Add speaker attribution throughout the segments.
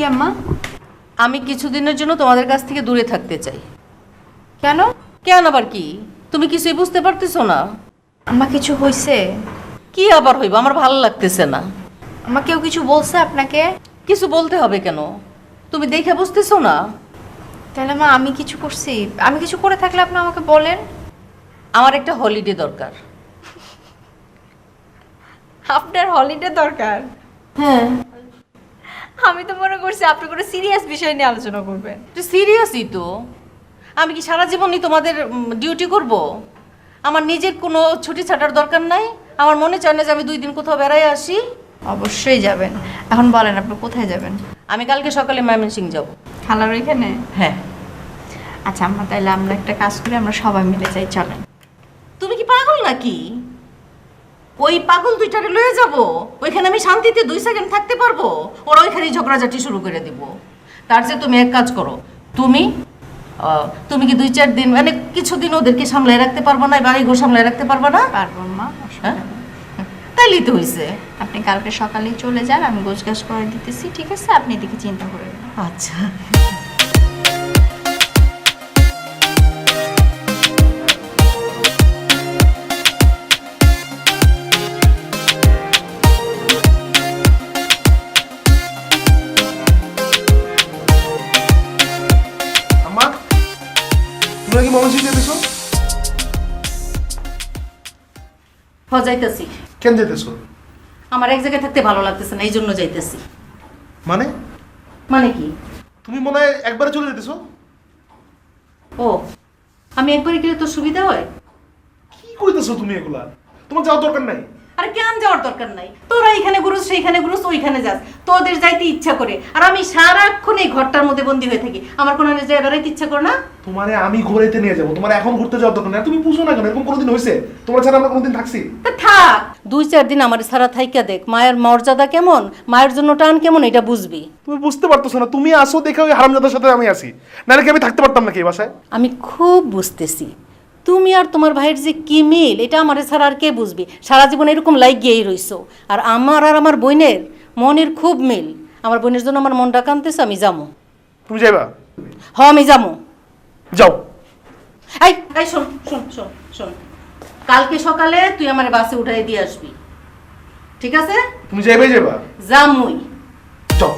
Speaker 1: কি আম্মা?
Speaker 2: আমি কিছুদিনের জন্য তোমাদের কাছ থেকে দূরে থাকতে চাই।
Speaker 1: কেন?
Speaker 2: কেন আবার কি? তুমি কিছুই বুঝতে পারতেছো না?
Speaker 1: আম্মা কিছু হয়েছে?
Speaker 2: কি আবার হইব? আমার ভালো লাগতেছে না।
Speaker 1: আম্মা কেউ কিছু বলছে আপনাকে?
Speaker 2: কিছু বলতে হবে কেন? তুমি দেখে বুঝতেছো না?
Speaker 1: তাহলে মা আমি কিছু করছি? আমি কিছু করে থাকলে আপনি আমাকে বলেন।
Speaker 2: আমার একটা হলিডে দরকার।
Speaker 1: আপনার হলিডে দরকার?
Speaker 2: হ্যাঁ।
Speaker 1: আমি তো মনে করছি আপনি কোনো সিরিয়াস বিষয় নিয়ে আলোচনা করবেন।
Speaker 2: সিরিয়াসই তো। আমি কি সারা জীবনই তোমাদের ডিউটি করব? আমার নিজের কোনো ছুটি ছাটার দরকার নাই? আমার মনে চায় না যে আমি 2 দিন কোথাও বেড়াই আসি?
Speaker 1: অবশ্যই যাবেন। এখন বলেন আপনি কোথায় যাবেন?
Speaker 2: আমি কালকে সকালে ময়মনসিংহ যাব।
Speaker 1: খালার ওইখানে?
Speaker 2: হ্যাঁ।
Speaker 1: আচ্ছা আম্মা, তাহলে আমরা একটা কাজ করি, আমরা সবাই মিলে যাই, চলেন।
Speaker 2: তুমি কি পাগল নাকি? ওই পাগল দুইটারে লয়ে যাব? ওইখানে আমি শান্তিতে 2 সেকেন্ড থাকতে পারবো? ওরা ওইখানেই ঝগড়াঝাটি শুরু করে দিব। তার চেয়ে তুমি এক কাজ করো। তুমি কি 2-4 দিন মানে কিছুদিন ওদেরকে সামলায় রাখতে পারবো না? বাড়ি ঘর সামলায় রাখতে পারবো না?
Speaker 1: পারবো মা।
Speaker 2: হ্যাঁ, তাইলেই তো হয়েছে।
Speaker 1: আপনি কালকে সকালেই চলে যান, আমি গোছগাছ করে দিতেছি, ঠিক আছে? আপনি এদিকে চিন্তা করবেন না।
Speaker 2: আচ্ছা।
Speaker 3: আম্মা, তোমরা কি ময়মনসিংহ যেতেছো?
Speaker 2: যাইতেছি।
Speaker 3: কেন যেতেছো?
Speaker 2: আমার এক জায়গায় থাকতে ভালো লাগতেছে না, এই জন্য যাইতেছি।
Speaker 3: মানে
Speaker 2: মানে কি?
Speaker 3: তুমি মনে হয় একবারে চলে যেতেছো?
Speaker 2: ও, আমি একবারে গেলে তো সুবিধা হয়?
Speaker 3: কি কইতেছো তুমি এগুলা? তোমার যাওয়ার দরকার নাই।
Speaker 2: আর কেন যাওয়ার দরকার নাই? তোরা এখানে ঘুরুস, সেইখানে ঘুরুস, ওইখানে যাস, তোদের যাইতে ইচ্ছা করে। আর আমি সারাক্ষণ এই ঘরটার মধ্যে বন্দি হয়ে থাকি। আমার কোনো জায়গায় বেড়াইতে ইচ্ছা করে না?
Speaker 3: তোমারে আমি ঘুরাইতে নিয়ে যাবো, তোমার এখন ঘুরতে যাওয়ার দরকার নাই। তুমি বুঝো না কেন? এরকম কোনোদিন হয়েছে তোমার ছাড়া আমরা কোনোদিন থাকছি?
Speaker 2: তা থাক, 2-4 দিন আমার সারা থাইকা দেখ মায়ের মর্যাদা কেমন, মায়ের জন্য টান কেমন, এটা বুঝবি।
Speaker 3: তুমি বুঝতে পারতেছো না? তুমি আসো দেখে ওই হারামজাদার সাথে আমি আসি, নাহলে কি আমি থাকতে পারতাম নাকি এই বাসায়?
Speaker 2: আমি খুব বুঝতেছি তুমি আর তোমার ভাইয়ের যে কি মিল, এটা আমার ছাড়া আর কে বুঝবি? সারা জীবন এরকম লাগিয়েই রইছো। আর আমার বোনের মনের খুব মিল। আমার বোনের জন্য আমার মনটা কাঁদতেছে, আমি যাবো।
Speaker 3: তুমি যাইবা?
Speaker 2: আমি যাবো।
Speaker 3: যাও।
Speaker 2: এই এই শোন শোন শোন শোন, কালকে সকালে তুই আমার বাসে উঠাই দিয়ে আসবি, ঠিক আছে?
Speaker 3: তুমি যাইবাই যাইবা?
Speaker 2: যামুই।
Speaker 3: যাও।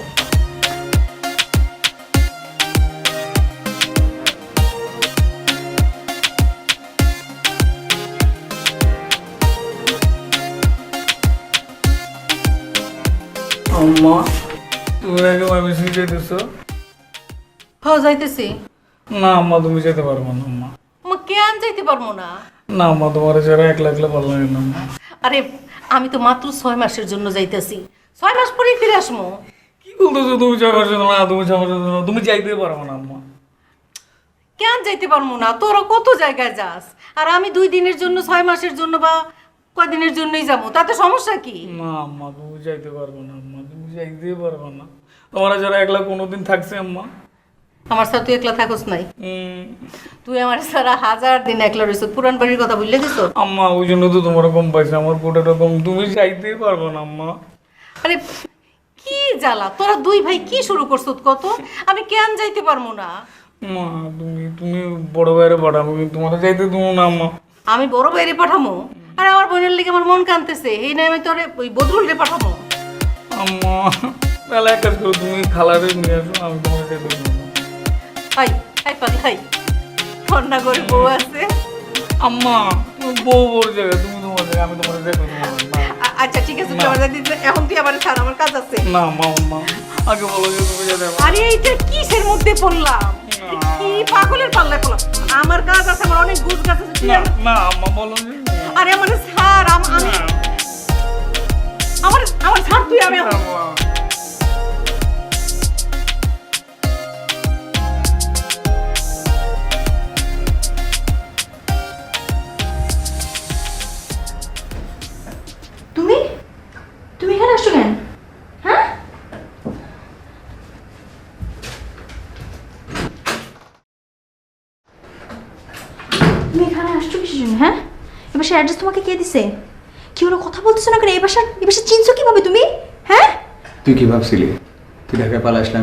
Speaker 4: আম্মা, তুমি নাকি ময়মনসিংহ যেতেছো?
Speaker 2: যাইতেছি।
Speaker 4: না আম্মা, তুমি যেতে পারবো না আম্মা।
Speaker 2: কেন যাইতে পারবো না?
Speaker 4: না আম্মা, তোমার যারা একলা একলা ভালো লাগে না আম্মা।
Speaker 2: আরে আমি তো মাত্র 6 মাসের জন্য যাইতেছি, 6 মাস পরেই ফিরে আসবো।
Speaker 4: কি বলতেছো? তুমি যাবার জন্য না, তুমি যাবার জন্য না, তুমি যাইতে পারবো না আম্মা।
Speaker 2: কেন যাইতে পারবো না? তোরা কত জায়গায় যাস, আর আমি 2 দিনের জন্য, 6 মাসের জন্য বা কয়দিনের জন্যই যাবো, তাতে সমস্যা কি?
Speaker 4: না আম্মা, তুমি যাইতে পারবো না আম্মা, তুমি যাইতে পারবো না। তোমার যারা একলা কোনোদিন থাকছে আম্মা?
Speaker 2: আমার সাথে তুই একলা থাকস নাই। তুই আমার সারা 1000 দিন একলা রইছ। পুরান বাড়ির কথা ভুলে দিছ?
Speaker 4: আম্মা, ওই জন্য তো তোমার কম পাইছে, আমার কোটাটা কম। তুমি যাইতে পারবো না আম্মা।
Speaker 2: আরে কি জ্বালা, তোরা 2 ভাই কি শুরু করছ কত? আমি কেন যাইতে পারবো না?
Speaker 4: মা, তুমি তুমি বড় ভাইয়ের পাঠাবো, কিন্তু তোমার যাইতে দেবো না আম্মা।
Speaker 2: আমি বড় বাইরে পাঠামো? আরে আমার বোনের লেগে আমার মন কানতেছে, এই নাই আমি তোরে ওই বদরুল রে পাঠামো।
Speaker 4: আম্মা, তাহলে এক কাজ করো, তুমি খালারে নিয়ে আসো, আমি তোমার যেতে দেবো না।
Speaker 2: হাই হাই পাগল হাই, ঠান্ডা করে বউ আছে।
Speaker 4: আম্মা, তুমি বউ বড় জায়গা, তুমি তোমার জায়গা, আমি তোমার যেতে দেবো না।
Speaker 2: আচ্ছা ঠিক আছে, তুই আমার দিতে এখন, তুই আমার ছাড়, আমার কাজ আছে।
Speaker 4: না মা, আম্মা আগে বলো যে তুমি যেতে পারো।
Speaker 2: আরে এইটা কিসের মধ্যে পড়লাম? কি পাগলের পাল্লায় পড়লাম? আমার কাজ আছে, আমার অনেক গুজ গাছ আছে।
Speaker 4: না না আম্মা, বলো যে
Speaker 2: আরে আমার ছাড়, আমি আমার ছাড়, তুই আমি
Speaker 4: আম্মা।
Speaker 1: তুমি তুমি এখানে আসছো কেন? হ্যাঁ, তুমি এখানে আসছো কিসের জন্য? হ্যাঁ, এ বাসার অ্যাড্রেস তোমাকে কে দিছে? কি হলো, কথা বলতেছো না কেন? এই বাসা চিনছো কিভাবে তুমি? হ্যাঁ,
Speaker 5: তুই কি ভাবছিলি তুই ঢাকায় পালা আসলে